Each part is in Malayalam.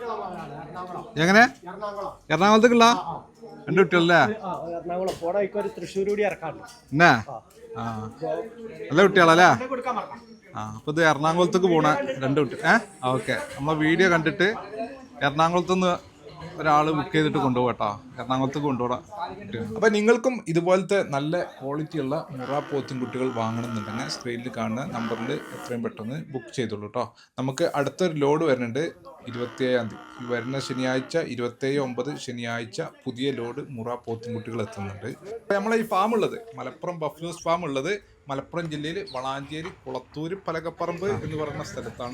എങ്ങനെ എറണാകുളത്തേക്കുള്ള 2 കുട്ടികളല്ലേ? തൃശ്ശൂർ കൂടി ഇറക്കാണ്ട് എന്നാ നല്ല കുട്ടികളല്ലേ? അപ്പൊ ഇത് എറണാകുളത്തേക്ക് പോണ 2 കുട്ടി. ഓക്കെ, നമ്മളെ വീഡിയോ കണ്ടിട്ട് എറണാകുളത്തുനിന്ന് ഒരാൾ ബുക്ക് ചെയ്തിട്ട് കൊണ്ടുപോകട്ടോ, എറണാകുളത്തേക്ക് കൊണ്ടുപോകാം. അപ്പൊ നിങ്ങൾക്കും ഇതുപോലത്തെ നല്ല ക്വാളിറ്റിയുള്ള മുറ പോത്തും കുട്ടികൾ വാങ്ങണമെന്നുണ്ടെങ്കിൽ സ്ക്രീനിൽ കാണുന്ന നമ്പറിൽ എത്രയും പെട്ടെന്ന് ബുക്ക് ചെയ്തോളൂ കേട്ടോ. നമുക്ക് അടുത്തൊരു ലോഡ് വരുന്നുണ്ട് 27-ാം തീയതി, വരുന്ന ശനിയാഴ്ച 27/9 ശനിയാഴ്ച പുതിയ ലോഡ് മുറ പോത്തും കുട്ടികൾ എത്തുന്നുണ്ട്. അപ്പൊ നമ്മളെ ഈ ഫാം ഉള്ളത് മലപ്പുറം ബഫ്ലൂസ് ഫാം ഉള്ളത് മലപ്പുറം ജില്ലയിൽ വളാഞ്ചേരി കുളത്തൂര് പലകപ്പറമ്പ് എന്ന് പറയുന്ന സ്ഥലത്താണ്.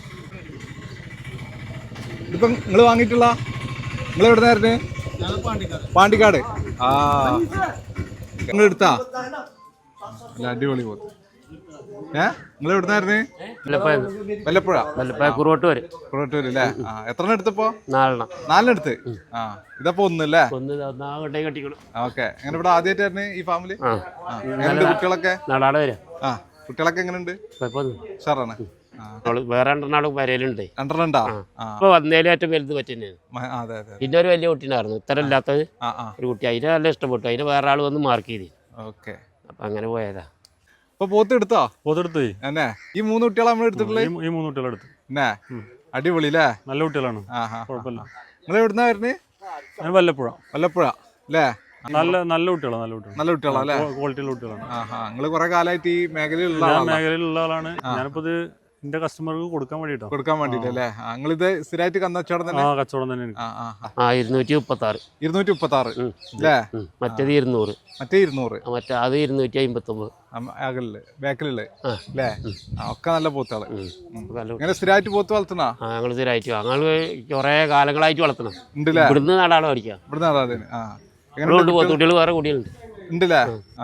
ഇതിപ്പം നിങ്ങൾ വാങ്ങിയിട്ടുള്ള നിങ്ങൾ എവിടുന്നായിരുന്നു? പാണ്ടിക്കാട്. നിങ്ങൾ എടുത്താ? അല്ല, അടിപൊളി പോത്ത്. നിങ്ങൾ എവിടുന്നായിരുന്നു? വല്ലപ്പുഴ കുറുവട്ടൂര് അല്ലേ? എത്ര എടുത്തപ്പോ? 4 എടുത്ത്. ഇതപ്പോ ഒന്നല്ലേ? ഓക്കെ. എങ്ങനെ ഇവിടെ ആദ്യമായിട്ടായിരുന്നു ഈ ഫാമില്? എങ്ങനെയുണ്ട് കുട്ടികളൊക്കെ? കുട്ടികളൊക്കെ എങ്ങനെയുണ്ട്? സാറാണ്. വേറെ 2 വരയിലുണ്ട്. 2 ഇപ്പൊ വന്നേലും ഏറ്റവും വലുത് പറ്റുന്നതാണ്. പിന്നെ ഒരു വലിയ കുട്ടീനായിരുന്നു, ഇത്ര ഇല്ലാത്തത് ഒരു കുട്ടി. അതിനെ നല്ല ഇഷ്ടപ്പെട്ടു. അതിന് വേറെ ആൾ വന്ന് മാർക്ക് ചെയ്ത്. ഓക്കെ. അപ്പൊ അങ്ങനെ പോയതാ. ഇപ്പൊ പോത്ത് എടുത്തോ? പോത്തെടുത്ത് എന്നെ ഈ 3 കുട്ടികളെ നമ്മൾ എടുത്തിട്ടുള്ളത്? ഈ 3 കുട്ടികളെ എടുത്തു. എന്നെ അടിപൊളി അല്ലേ? നല്ല കുട്ടികളാണ്, കുഴപ്പമില്ല. നിങ്ങൾ എവിടുന്നാ വരുന്നത്? വല്ലപ്പുഴ അല്ലേ? നല്ല കുട്ടികളാണ് അല്ലേ? ക്വാളിറ്റിയുള്ള കുട്ടികളാണ്. നിങ്ങൾ കുറെ കാലമായിട്ട് ഈ മേഖലയിലുള്ള ആളാണ്. ഞാനിപ്പോ ഇത് എന്റെ കസ്റ്റമർക്ക് കൊടുക്കാൻ വേണ്ടിട്ട് അല്ലേ? നിങ്ങളിത് സ്ഥിരമായിട്ട് കച്ചവടം തന്നെ? കച്ചവടം തന്നെ. 236 അല്ലേ? മറ്റേത് 200. മറ്റേ 200. മറ്റേ അത് 259. ബാക്കിലുള്ള അല്ലേ? ഒക്കെ നല്ല പോത്തുകള്. ഇങ്ങനെ സ്ഥിരമായിട്ട് പോത്ത് വളർത്തണ? ഞങ്ങൾ സ്ഥിരമായിട്ട് ഞങ്ങൾ കുറെ കാലങ്ങളായിട്ട് വളർത്തണം. ഇവിടുന്ന് നാടാണ് പഠിക്കാം. ഇവിടുന്ന് നാടാണ്. പോത്തുകുട്ടികൾ വേറെ കുട്ടികളുണ്ട്. ഉണ്ടല്ലേ?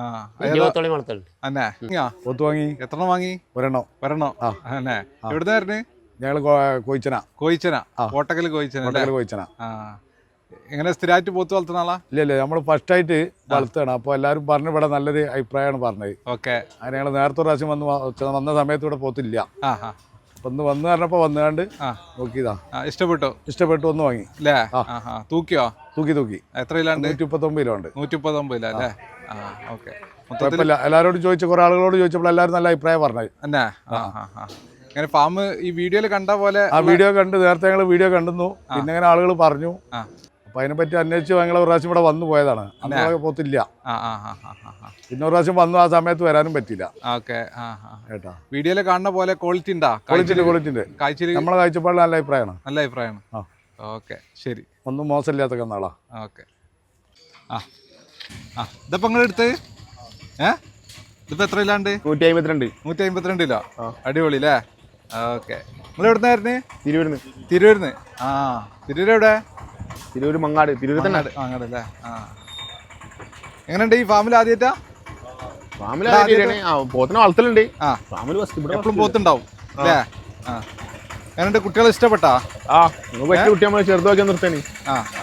പോത്ത് വാങ്ങി. എത്ര വാങ്ങി? ഒരെണ്ണം. എവിടുന്നായിരുന്നു? ഞങ്ങള് കോയിച്ചന. കോട്ടക്കൽ കോയിച്ചന. എങ്ങനെ സ്ഥിരമായിട്ട് പോത്ത് വളർത്തുന്ന ആളാ? ഇല്ല, നമ്മള് ഫസ്റ്റ് ആയിട്ട് വളർത്തുകയാണ്. അപ്പൊ എല്ലാരും പറഞ്ഞു ഇവിടെ നല്ലൊരു അഭിപ്രായമാണ് പറഞ്ഞത്. ഓക്കെ. അങ്ങനെ ഞങ്ങള് നേരത്തെ പ്രാവശ്യം വന്ന സമയത്ത് ഇവിടെ പോത്തില്ല. അപ്പൊ ഒന്ന് വന്ന് പറഞ്ഞപ്പോ വന്നുകൊണ്ട് നോക്കിയതാ. ഇഷ്ടപ്പെട്ടു ഒന്ന് വാങ്ങി. തൂക്കിയോ? തൂക്കി. എത്ര കിലോ? 139 കിലോ ഉണ്ട്. 139 അല്ലേ? ഓക്കെ. എല്ലാരോടും ചോദിച്ച കുറെ ആളുകളോട് ചോദിച്ചപ്പോൾ എല്ലാവരും നല്ല അഭിപ്രായം പറഞ്ഞത്. അങ്ങനെ ഫാം ഈ വീഡിയോയിൽ കണ്ട പോലെ വീഡിയോ കണ്ട് നേരത്തെ ഞങ്ങൾ വീഡിയോ കണ്ടിരുന്നു. പിന്നെ അങ്ങനെ ആളുകൾ പറഞ്ഞു. അപ്പൊ അതിനെപ്പറ്റി അന്വേഷിച്ച് ഞങ്ങൾ ഒരു പ്രാവശ്യം ഇവിടെ വന്നു പോയതാണ്. അന്ന് പോത്തില്ല. പിന്നെ ഒരു പ്രാവശ്യം വന്നു, ആ സമയത്ത് വരാനും പറ്റില്ല. കേട്ടാ, വീഡിയോയിൽ കാണുന്ന പോലെ ക്വാളിറ്റി ഉണ്ടാ? ക്വാളിറ്റി നമ്മളെ കാഴ്ചപ്പാടിൽ നല്ല അഭിപ്രായമാണ്. ഓക്കെ, ശരി. ഒന്നും മോശമില്ലാത്ത കന്നാളാ. ഓക്കെ. ഇതപ്പോ നിങ്ങൾ എടുത്ത് ഇതിപ്പോ എത്ര ഇല്ലാണ്ട്? 152 കിലോ. അടിപൊളി അല്ലേ? ഓക്കെ. നിങ്ങൾ എവിടുന്നായിരുന്നു? തിരൂരിന്ന്. തിരൂർ എവിടെ? തിരൂർ മങ്ങാട്. മങ്ങാടല്ലേ? എങ്ങനെയുണ്ട് ഈ ഫാമിൽ? ആദ്യമായിട്ടാ? പോത്തിനെ വളർത്തലുണ്ട്. എപ്പോഴും പോത്തുണ്ടാവും അല്ലേ? എങ്ങനെയുണ്ട്? കുട്ടികളെ ഇഷ്ടപ്പെട്ടാ? കുട്ടി നമ്മളെ ചെറുതൊക്കെ നിർത്താൻ.